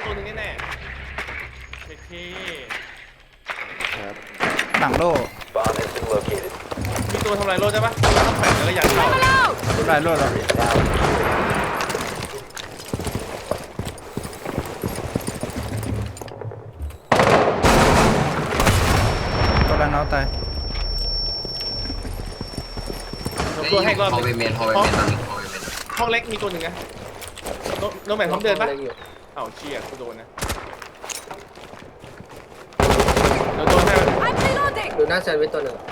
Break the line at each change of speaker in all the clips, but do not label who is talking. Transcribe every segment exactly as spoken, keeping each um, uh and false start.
ร์ตัวหนึ่งแน่ๆโอเค
ครับ
หลังโล่
มีตัวทำลายโล่ใช่ปะต้องแฝงแล้วยัดเข้า
ทำลายโล่แล้วตัวละน้องตาย
ตัวให้รอบ
ฮอลเวเมนฮอลเวเมนตอนนี้ฮอลเวเมน
ห้องเล็กมีตัวหนึ่งนะโน้มแหวนพร้อมเดินปะเอ้าเชี่ยกูโดนนะเดี๋ยวโดนให้
ดูหน้าแซนด์วิชตัวหนึ่ง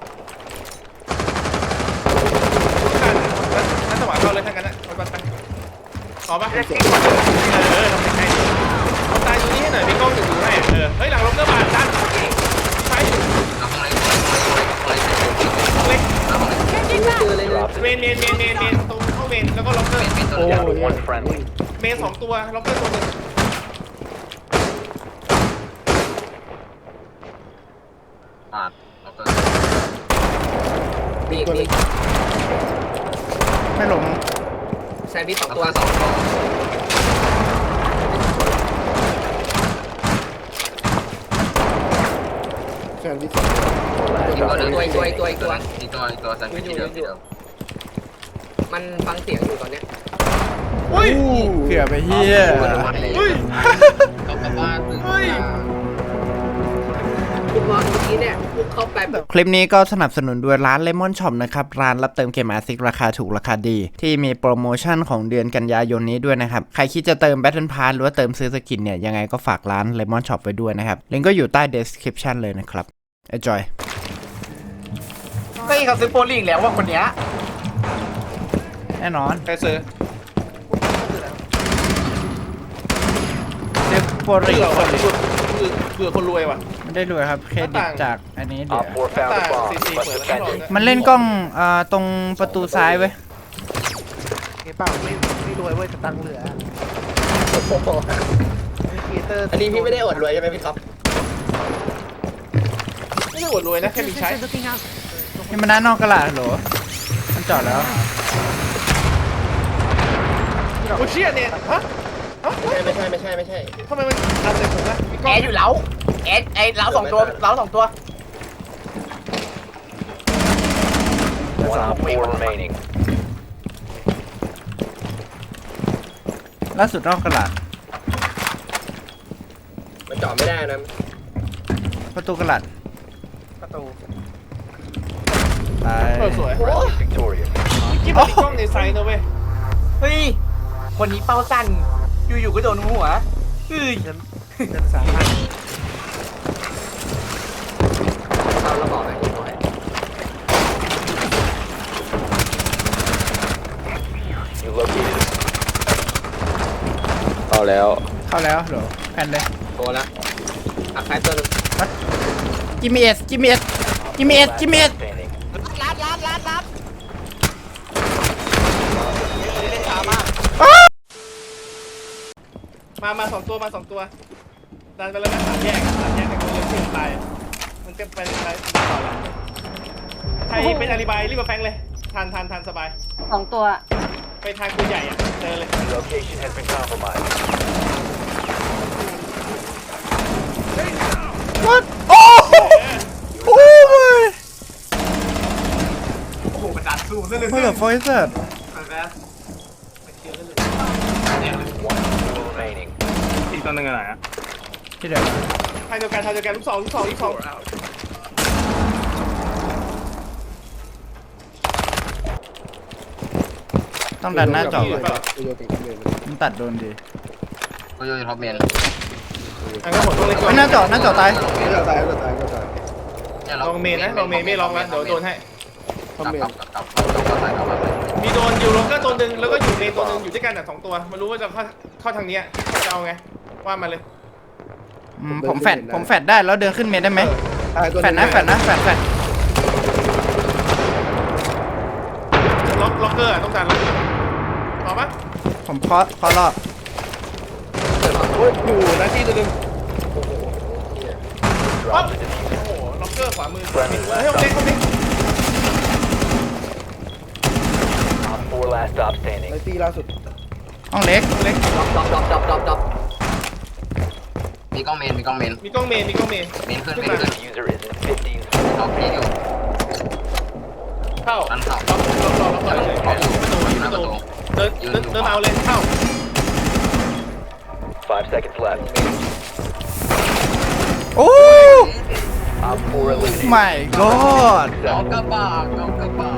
นั่นจังหวะเข้าเลยทั้งนั้นนะไปไปขอปะเออทำเป็นไงเอาตายตรงนี้ให้หน่อยมีกล้องอยู่ดูให้เออเฮ้ยหลังลบเกอร์บาดดันใช่เล็กเมนเมนเมนเมนเมนตรงเข้าเมนแล้วก็ล็อกเกอร์
โอ้ย
เมนสองตัวล็อกเกอร์ตัวหนึ่ง
อ่าแล้วก็
มีมี
ไม่หลง
แซนด์วิชสอง
แล้ว
ตัว
ก็สองตัว
แซนด์วิชอีกตัวนึงตัวอีกตัวอีกตัวอีกตัว
อีกตัวอีกตัวแซนด์วิชที่เดิมที่เดิม
มันฟังเสียงอยู่ตอนเนี้ย
อุ้ย
เกือบไปเฮีย
เฮ้ย
เขากลับบ้านตึง
เฮ้ย
คุณมองเมื่อกี้เนี่ยพวกเข้าไปแบบ
คลิปนี้ก็สนับสนุนด้วยร้าน Lemon Shop นะครับร้านรับเติมเกมอาร์ซิกราคาถูกราคาดีที่มีโปรโมชั่นของเดือนกันยายนนี้ด้วยนะครับใครคิดจะเติม Battle Pass หรือว่าเติมซื้อสกินเนี่ยยังไงก็ฝากร้าน Lemon Shop ไว้ด้วยนะครับลิงก์ก็อยู่ใต้ description เลยนะครับ enjoy
เฮ้ยเขาซื้อโปรลิงแล้วว่าคนเนี้ย
แน่นอน
ใครซื้อ
เซฟโปรริ
เผื่อคนเผื่อคนรวยว่ะ
ไม่ได้รวยครับเครดิตจากอันนี้เดี๋ยว
ตาซีซีเปิดแล้วก็
มันเล่นกล้องอ่าตรงประตูซ้ายเว้ย
เงี้ยเปล่าไม่ไม่รวยเว้ยแต่ตังค์เหลือครีเอเตอร์
อันนี้พี่ไม่ได้อดรวยใช่ไหมพี่ครับ
ไม่ได้อวดรวยนะแค่มีใช้
นี่มันด้านนอกกระดาษเหรอมันจอดแล้ว
โอ้เชี่ยเนี่ยฮะฮะ
ไม่ใช่ไม่ใช่ไม่ใช่
ทำไมมันอันเสร็จผมนะมีกล้
แอ
อง
ร์อยู่เล้าแอร์ไอ้เล้าสองตัวเล้าสองตัว
ล่าสุดนอกกระดาษ
มันจอดไม่ได้นะ
ประตูกระดาษ
ประตู
ตาย
เออสวยกิ๊บมีกล้องในไซน์นะเว้ย
เฮ้ยคนนี้เป้าสั้นอยู่ๆก็โดนหัวเฮ้ยเงินสามพัน
เอาระบอกหน่อยหน่อย
เข้าแล้ว
เข้าแล้วเหรอแผ่นเลย
โกละอักไซตัวนึง
จิมมี่เอสจิมมี่เอสจิมมี่เอสจิมมี่เอส
ลัดลัดลัดลัดเล่นช้ามาก
มามาสองตัวมาสองตัวดันไปแล้วนะสามแยกสามแยกแต่คนเดียวที่ตายมันจะไปอะไรต่อละใครเป็นอาลีบายรีบมาแฟงเลยทานทานทานสบาย
สองตัว
ไปทางตัวใหญ่อะเจอเลย
วัดโอ้โอ้ย
โอ้โหมันดันสู้ซะเลย
เมื่อไฟเสร็จ
อีกตัวหนึ่งอะไรอ่ะ
ที่เดียว
ทางเดียวกันทางเดียวกันลูกสองลูกสองลูกสอง
ต้องดันหน้าจอก่อนมันตัดโดนดี
ก็โยนท็อปเมน
อันก็หมดตัวเล็ก
ไม่หน้าจอหน้าจอตาย
เนี่ย
ลองเมนนะลองเมนไม่ลองแล้วเดี๋ยวโดนให้
กลับกลับกลับกลับกลับใส่กลับมาเลย
มีโดนอยู่ลงก็ตัวหนึ่งแล้วก็อยู่เมนตัวหนึ่งอยู่ด้วยกันอ่ะสองตัวมารู้ว่าจะเข้าเข้าทางนี้จะเอาไงว่ามาเลย
อืมผมแฟดผมแฟดได้แล้วเดินขึ้นเมนได้ไหมแฟดนะแฟดนะแฟดแฟด
ล็อกล็อกเกอร์ต้องการล็อกต่อปะ
ผมเคาะเคาะรอบ
อยู่หน้าที่ตัวหนึ่งปั๊บโอ้โหล็อกเกอร์ขวามือเฮ้ยเล็กเล็ก
ห้องเล็ก
เล็ก
ดรอปดรอปดรอปดรอป
มีกล้องเมนมีกล้องเมน
มีกล้องเมนมีกล้องเมน
เมนขึ้นเมนขึ้น
User is in fifteen.
ล็อกพี่อยู่
เข้า
ดันเข้า
ล็อกล็อกล็อกล็อกเลย
ล็อกอยู่
ประตู
อยู่ห
ป
น้า
ระ
ประ
ตู
ตู
เดินเดินเดินมาเอาเลยเข้า
Five seconds left.
โอ้
Op four eliminated.
my god
ล็อกกระบะล็อกกระบะ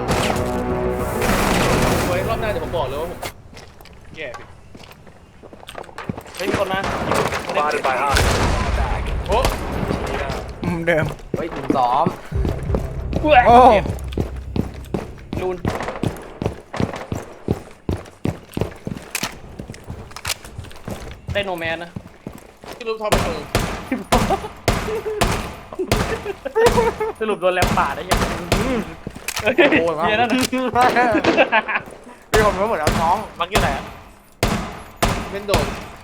ไว้รอบหน้าเดี๋ยวผมบอกเลยว่าผมแย่เฮ้ยมีคนมา
Spotted by hostiles.
โอ้
มุมเดิม
เฮ้ยซ้อม
โอ้
ลูนได้โนแมนนะที่รูปทอมเป็นคนสรุปโดนแลมป่าได้ยัง
โอ้ย
เฮียนั่น
พี่ผมรู้หมดแล้วน้อง
มักอยู่ไหนอะเป็นโดน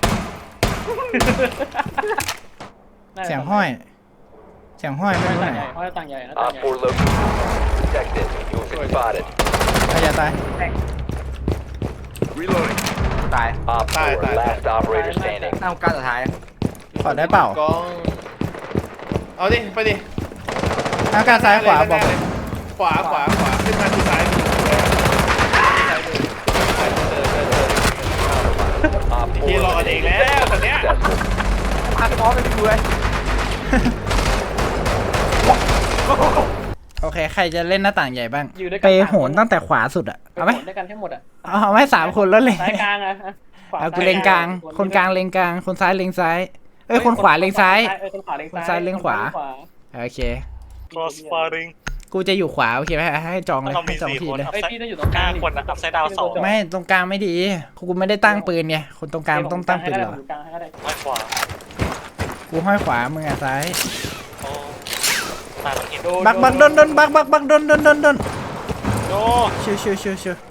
เสียงห้อย เสียงห้อยไม่รู้ไหน
ห้อยต่างใหญ่นะ
Op four located. Detected. You have been spotted.
ใครจะตาย
Reloading.
ตาย
Op
Bye,
four,
bye,
last
bye.
operator standing.
เอาการสุดท้าย
ขอได้เปล่า
กองเอาดิไปดิ
อากาศซ้ายขวาบอก
ขวาขวาขวาขึ้นมาที่ซ้ายมือซ้ายมือซ้ายมือเดินเดินเดิน
Op
เฮีย
four
รอกันเองแล้วตอนเนี้ย
successful.
พาซ้อมไปดูเลย
โอเค ใครจะเล่นหน้าต่างใหญ่บ้าง
อยู่ด้วยกั
ไป
น
โหนตั้งแต่ขวาสุดอะ
ไป
เอาไหม
โหนด้วยกันให้หมดอ่ะ
เอาไหมสามคนแล้วเลย
ซ้ายกลางอ่ะขว
เอากูเลงกลาง คนกลางเลงกลาง คนซ้ายเลงซ้าย เอ้ย คนขวาเลงซ้าย
เออคนขวาเลง
คนซ้ายเลงขวา โอเค
Cross firing
กูจะอยู่ขวาโอเคไหมให้จองเลย
เรามี
ให้จอง
สี่
ที
คน
เลย
เฮ้ยพี่ต้องอยู่ตรงกลาง
ห้าคนนะอัพไซด์ดาวสอง
ไม่ตรงกลางไม่ดี กูไม่ได้ตั้งปืนไง คนตรงกลางต้องตั้งปืนเหรอ
อยู่กลางให้ก็ได้
ด้านขวา
กูห้อยขวา มึงอ่ะซ้าย
โอ้ตายต้องเห็น
บักบักดนดนบักบักบักดนดนดนดน
โย
ชิวชิวชิวชิว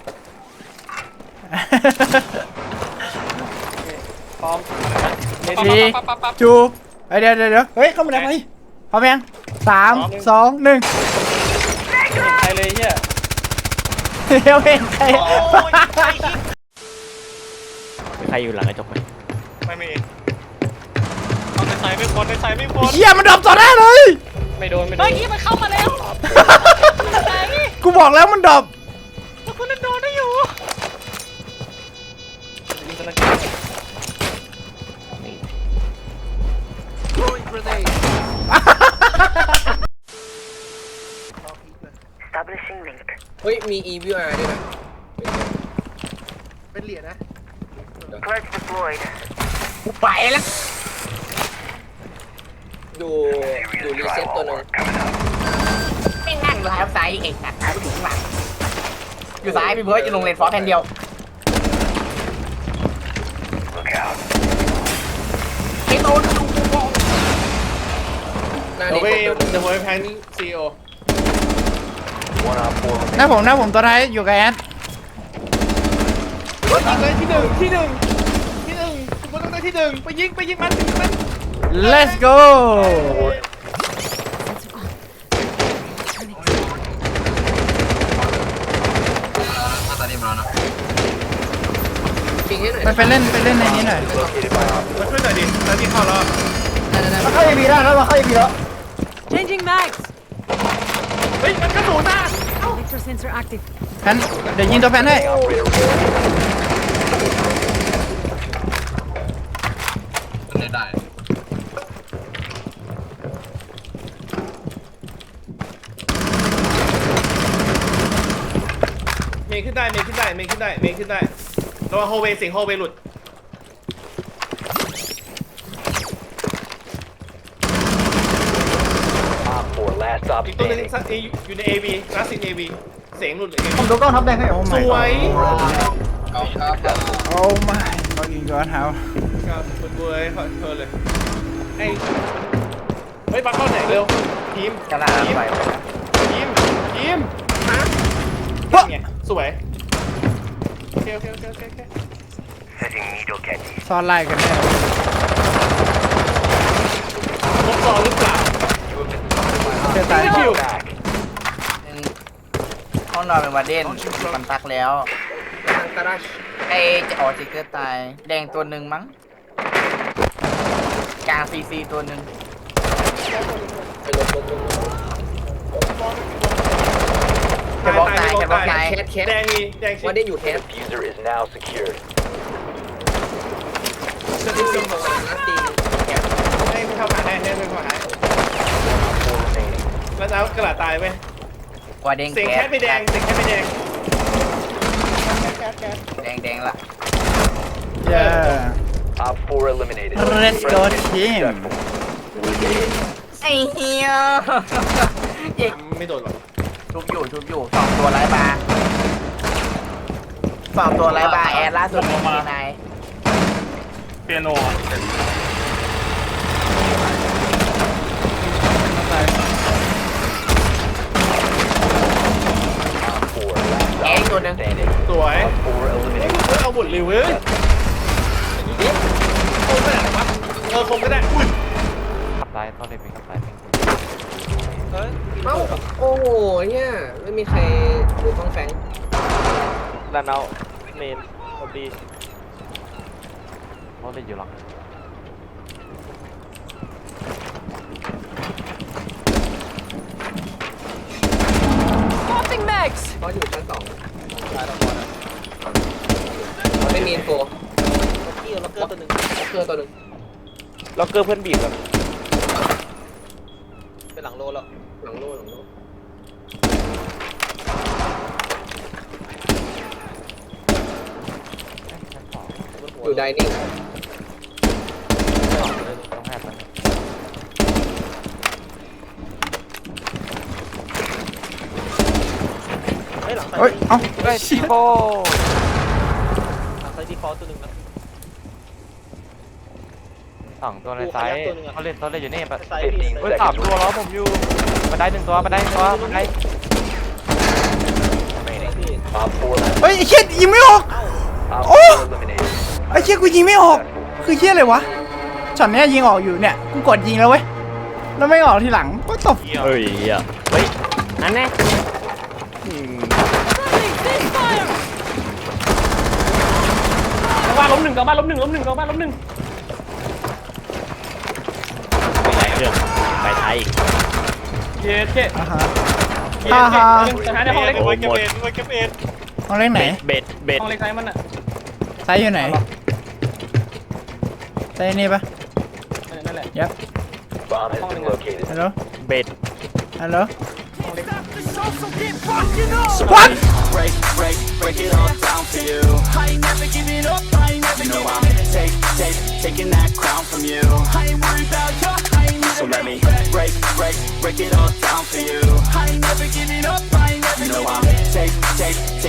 พร้อม
ทีจูบเฮ้ยเดี๋ยวเดี๋ยวเดี๋ยวเฮ้ยเข้ามาได้ไหมพร้อมยังสามสองหนึ่ง
ใครเลยเฮีย
เดี๋ยวเองใคร
ใครอยู่หลังกระจกไหม
ไม่มีเอาในไซไม่พ้นในไซไม่พ้น
เฮียมันดรอปต่อหน้าเลย
ไม่โดนไม่โดนเมื่อกี้มันเข้ามาแล้ว
กูบอกแล้วมันดรอป
คุณโดนได้อยู่
เฮ้ยมี อี วี อาร์ ด้วยนะ
เป็นเหรียญนะ
กูไปแล้วดูดูรีเซ็ตตัวหนึงไม่นั่งไลฟ์ไซด์เองนะอยู่ข้างหลังอยู่ซ้ายพี่เบิร์ดอยู่ลงเลนฟอร์แผ่นเดียวไอ้โต้นดูกูมองหน้า
เดี๋ยวไป
นี้
เดี๋ยวไปแพนซีโอ
One op four
หน้าผมหน้าผมตัวท้ายอยู่กับแอด
ยิงเลยที่หนึ่งที่หนึ่งที่หนึ่งคุณต้องได้ที่หนึ่งไปยิงไปยิงมันไปยิงมัน
let's go
มาตอนนี้มาแล้วนะ
ปิงให้หน่อย
ไปไปเล่นไปเล่นในนี้หน่อย
located by op
มาช่วยหน่อยดิตอนที่เข้าแล้ว
มาเข้าอีพีแล้วมาเข้าอีพีแล้ว
Changing mags.
เฮ้ยมันกระสุนอ่ะ
Vector sensor active.
แพนเดี๋ยวยิงตัวแพนให้
operator.
เล่นได้
เมย์ขึ้นได้เมย์ขึ้นได้เมย์ขึ้นได้เมย์ขึ้นได้ระวังโฮเวย์เสียงโฮเวย์หลุด
Op four, last stop
อีกตัวหนึง
standing.
อยู่ใน เอ วี คลาสสิก เอ วี เสียงหลุดเลย
ผมดูกล้องทับแดงให้โอ้
ส
my
วย
เอาครับ
โอ้ my fucking god how
ครับคุณบวยขอโทษเลยไอ้เฮ้ยปักเข้าไหนเร็วทีม
กระลา
ทีม
ไป
ทีมทีมฮะไงสวยโอเคโอเคโอเคโอเคโอเค
ซ่อนไล่กันแน่
ครบซองหรือเปล่า
เชื่อตาย
คิว
Back.
ห้องนอนเป็นวาเดนมันตักแล้วไอจะออกจิกเกอร์ตายแดงตัวหนึ่งมั้งกลางซีซีตัวหนึ่ง
ไปลบลบลบ
จะบล็อกตายจะบล็อกตาย
แคทแคท
แดงมีแดงชิ
ว่าได้อยู่แคท
Diffuser is now secured.
จะได้ซิงของมันนะตี
ให้เข้าหาให้ให้เข้าหา
Four remaining.
แล้วแล้วกระดาษตายเว้ย
ว่าแดง
เสียงแคทไปแดงเสียงแคทไปแดง
แดงแดงละ
เย้
Op four eliminated.
Let's go team
ไอ้เหี้ยเอก
ไม่โดนหรอก
ชุบอยู่ชุบอยู่สองตัวไร้บาร์สองตัวไร้บาร์แอดล่าสุดมีนาย
เปียโน
Four. Last
แอดตัวหนึ่ง
standing.
สวย
Four
เฮ้ย
eliminated.
มึงเอาบุตรริวเว้ยคมขนาดไหนวะเออคมก็ได้อุ้ย
ขับซ้ายเข้าเลยไปขับซ้าย
เอ้าโอ้โหเนี่ยไม่มีใครดูต้องแฟง
ด้านเอาเมนพอดีเขาเลยอยู่หลัง
Popping mags.
เพราะอยู่ชั้นสองไม่มีอินโฟล็อกเกอร์ตัวหนึ่งล็อกเกอร์ตัวหนึ่ง
ล็อกเกอร์เพื่อนบีบแบบ
เป็นหลังโลแล้วหลังโลหลังโลอยู่ไดนิ่ง
ต้องแอบมัน
เฮ้ย เอ้า
เฮ้ยซีโฟ
หลังไซดีฟอลตัวหนึ่งนะ
สองตัวในซ้ายเขาเล่นเขาเล่นอยู่นี่ปะ
Fifteen
เฮ้ยสาม
seconds
ตัวล้อผมอยู่บันไดหนึ่งตัวบันไดหนึ่งตัวบันได
remaining. Op four last.
เฮ้ยไอ้เชี่ยยิงไม่ออก
Op
Oh!
four eliminated.
ไอ้เชี่ยกูยิงไม่ออก คือเชี่ยอะไรวะ ช็อตเนี้ยยิงออกอยู่เนี่ย กูกดยิงแล้วเว้ย แล้วไม่ออกทีหลัง ก็ตบ
เฮ้ยอ่ะเฮ้ยอันนี้
Friendly ceasefire.
กลับบ้านล้มหนึ่งกลับบ้านล้มหนึ่งล้มหนึ่งกลับบ้านล้มหนึ่ง
ไปเครื่องไปไทย
เย้เจ๊
อ่าฮะ
เย้
ฮ่า
เจ๊
ฮ่า
สถานในห้องเล็ก
โอ้
ไว้
ย
เก็บ
หมด
เอ็ดไว้เก็บเอ็ด
ห้องเล็กไหน
เบ็ดเบ็ด
ห้องเล็กไซส์มันอ่ะ
ไซส์อยู่ไหนไซส์นี่ปะ
นั่นแหละ
ยับ
Bomb has been located.
ฮัลโหล
เบ็ด
ฮัลโหล
What?
Break, break, break it all down for you. I ain't never giving up, I ain't never you know I'm take, take, taking that crown from you. I ain't worried about you, I ain't never so let me break, break, break it all down for you. I ain't never giving up, I ain't never you know I'm take, take,